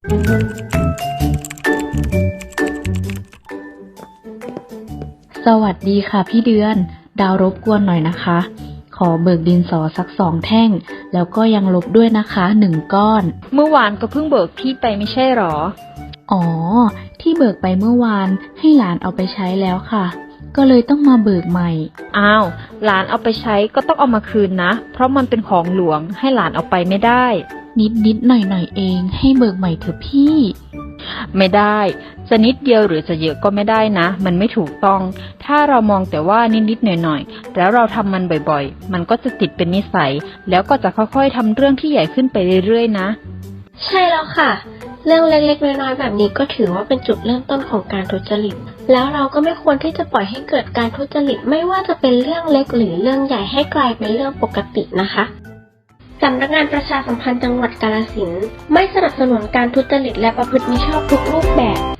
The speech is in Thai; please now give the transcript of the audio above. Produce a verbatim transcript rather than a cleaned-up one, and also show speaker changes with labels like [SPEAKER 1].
[SPEAKER 1] สวัสดีค่ะพี่เดือน ดาวรบกวนหน่อยนะคะ ขอเบิกดินสอสักสองแท่ง แล้วก็ยังลบด้วยนะคะหนึ่งก้อน
[SPEAKER 2] เมื่อวานก็เพิ่งเบิกพี่ไปไม่ใช่หรอ
[SPEAKER 1] อ๋อ ที่เบิกไปเมื่อวานให้หลานเอาไปใช้แล้วค่ะ ก็เลยต้องมาเบิกใหม่
[SPEAKER 2] อ้าว หลานเอาไปใช้ก็ต้องเอามาคืนนะ เพราะมันเป็นของหลวงให้หลานเอาไปไม่ได้
[SPEAKER 1] นิดนิดหน่อยหน่อยเองให้เบิกใหม่เถอะพี่
[SPEAKER 2] ไม่ได้ จะนิดเดียวหรือจะเยอะก็ไม่ได้นะ มันไม่ถูกต้อง ถ้าเรามองแต่ว่านิดๆหน่อยๆแล้วเราทำมันบ่อยๆ มันก็จะติดเป็นนิสัย แล้วก็จะค่อยๆทำเรื่องที่ใหญ่ขึ้นไปเรื่อยๆนะ
[SPEAKER 3] ใช่แล้วค่ะ เรื่องเล็กๆน้อยๆแบบนี้ก็ถือว่าเป็นจุดเริ่มต้นของการทุจริต แล้วเราก็ไม่ควรที่จะปล่อยให้เกิดการทุจริตไม่ว่าจะเป็นเรื่องเล็กหรือเรื่องใหญ่ให้กลายเป็นเรื่องปกตินะคะสำนักงานประชาสัมพันธ์จังหวัดกาฬสินธุ์ไม่สนับสนุนการทุจริตและประพฤติมิชอบทุกรูปแบบ